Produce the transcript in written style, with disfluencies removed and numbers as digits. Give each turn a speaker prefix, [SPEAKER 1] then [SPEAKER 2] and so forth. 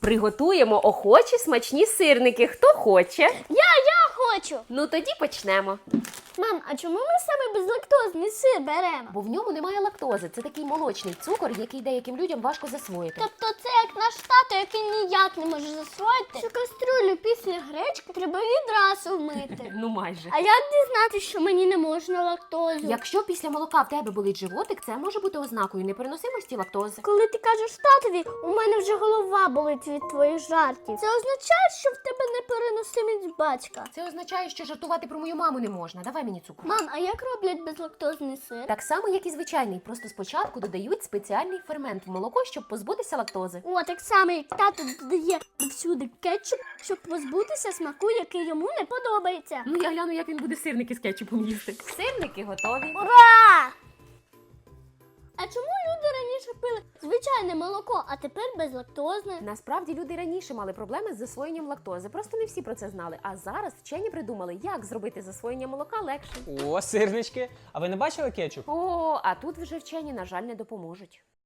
[SPEAKER 1] Приготуємо охочі смачні сирники. Хто хоче?
[SPEAKER 2] Я хочу.
[SPEAKER 1] Ну тоді почнемо.
[SPEAKER 2] Мам, а чому ми саме безлактозний сир беремо?
[SPEAKER 1] Бо в ньому немає лактози. Це такий молочний цукор, який деяким людям важко засвоїти.
[SPEAKER 2] Тобто це як наш тато, який ніяк не може засвоїти, що каструлю після гречки треба відразу вмити.
[SPEAKER 1] Ну майже.
[SPEAKER 2] А як дізнатися, що мені не можна лактозу?
[SPEAKER 1] Якщо після молока в тебе болить животик, це може бути ознакою непереносимості лактози.
[SPEAKER 2] Коли ти кажеш татові, у мене вже голова болить від твоїх жартів. Це означає, що в тебе непереносимість батька.
[SPEAKER 1] Це означає, що жартувати про мою маму не можна. Давай мені цукру.
[SPEAKER 2] Мам, а як роблять безлактозний сир?
[SPEAKER 1] Так само, як і звичайний, просто спочатку додають спеціальний фермент в молоко, щоб позбутися лактози.
[SPEAKER 2] О, так само, як тато додає всюди кетчуп, щоб позбутися смаку, який йому не подобається.
[SPEAKER 1] Ну я гляну, як він буде сирники з кетчупом їсти. Сирники готові.
[SPEAKER 2] Ура! А чому люди раніше пили звичайне молоко, а тепер безлактозне?
[SPEAKER 1] Насправді люди раніше мали проблеми з засвоєнням лактози. Просто не всі про це знали. А зараз вчені придумали, як зробити засвоєння молока легше.
[SPEAKER 3] О, сирнички. А ви не бачили кетчуп?
[SPEAKER 1] О, а тут вже вчені, на жаль, не допоможуть.